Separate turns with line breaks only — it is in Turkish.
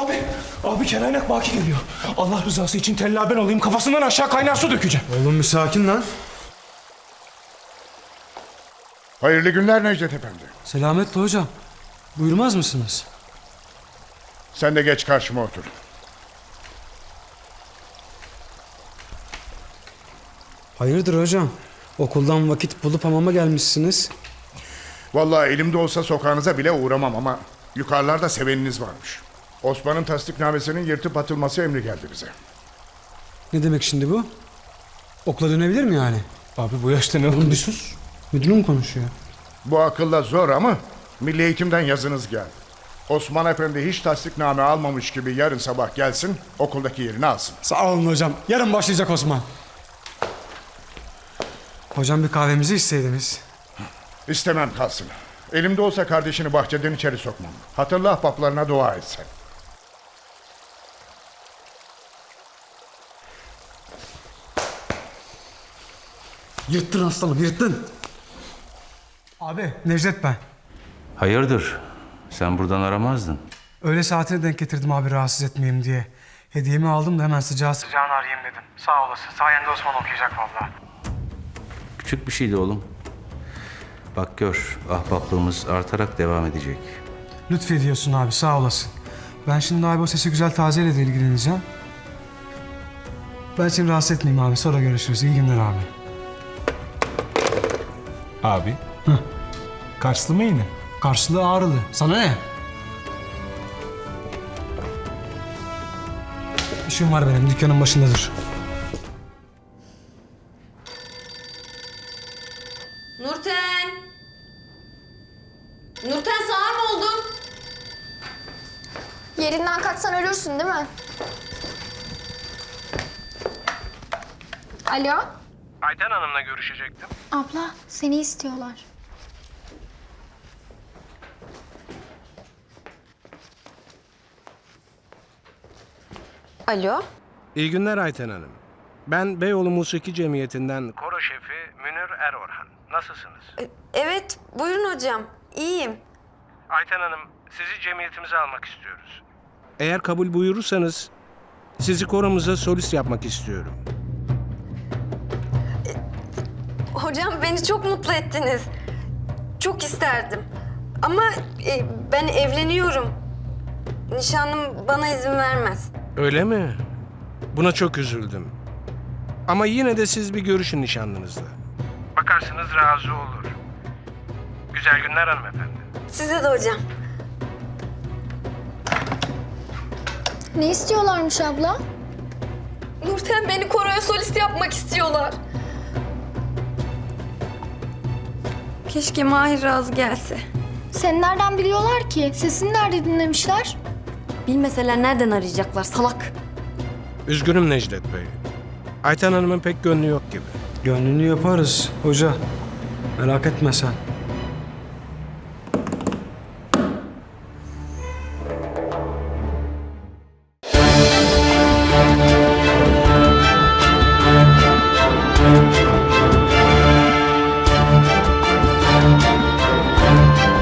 Abi Kelaynak Baki geliyor. Allah rızası için tella ben olayım, kafasından aşağı kaynar su dökeceğim.
Oğlum bir sakin lan.
Hayırlı günler Necdet Efendi.
Selametle hocam. Buyurmaz mısınız?
Sen de geç karşıma otur.
Hayırdır hocam? Okuldan vakit bulup hamama gelmişsiniz.
Vallahi elimde olsa sokağınıza bile uğramam ama yukarılarda seveniniz varmış. Osman'ın tasdiknamesinin yırtıp atılması emri geldi bize.
Ne demek şimdi bu? Okula dönebilir mi yani?
Abi bu yaşta ne oldu? Bir sus.
Müdürüm konuşuyor.
Bu akılla zor ama Milli Eğitim'den yazınız geldi. Osman Efendi hiç tasdikname almamış gibi yarın sabah gelsin, okuldaki yerini alsın.
Sağ olun hocam. Yarın başlayacak Osman. Hocam bir kahvemizi içseydiniz.
İstemem kalsın. Elimde olsa kardeşini bahçeden içeri sokmam. Hatırla ahbaplarına dua et sen.
Yırttın aslanım, yırttın. Abi, Necdet ben.
Hayırdır? Sen buradan aramazdın.
Öğle saatine denk getirdim abi rahatsız etmeyeyim diye. Hediyemi aldım da hemen sıcağına arayayım dedim. Sağ olasın. Sayende Osman okuyacak vallahi.
Küçük bir şeydi oğlum. Bak gör, ahbaplığımız artarak devam edecek.
Lütfediyorsun abi, sağ olasın. Ben şimdi abi o Sesi Güzel Taze'yle de ilgileneceğim. Ben seni rahatsız etmeyeyim abi. Sonra görüşürüz. İyi günler abi.
Abi. Karslı mı yine?
Karşılığı Ağrılı. Sana ne? İşim var benim. Dükkanın başında dur.
Nurten! Nurten sağır mı oldun?
Yerinden kalksan ölürsün değil mi? Alo?
Ayten Hanım'la görüşecektim.
Abla seni istiyorlar.
Alo?
İyi günler Ayten Hanım. Ben Beyoğlu Musiki Cemiyeti'nden koro şefi Münir Erorhan. Nasılsınız?
Evet, buyurun hocam. İyiyim.
Ayten Hanım, sizi cemiyetimize almak istiyoruz. Eğer kabul buyurursanız sizi koromuza solist yapmak istiyorum.
Hocam beni çok mutlu ettiniz. Çok isterdim. Ama ben evleniyorum. Nişanlım bana izin vermez.
Öyle mi? Buna çok üzüldüm. Ama yine de siz bir görüşün nişanlınızla. Bakarsınız razı olur. Güzel günler hanımefendi.
Size de hocam.
Ne istiyorlarmış abla?
Nurten beni koroya solist yapmak istiyorlar. Keşke Mahir razı gelse.
Seni nereden biliyorlar ki? Sesini nerede dinlemişler?
Bilmeseler nereden arayacaklar salak?
Üzgünüm Necdet Bey. Ayten Hanım'ın pek gönlü yok gibi.
Gönlünü yaparız hoca. Merak etme sen.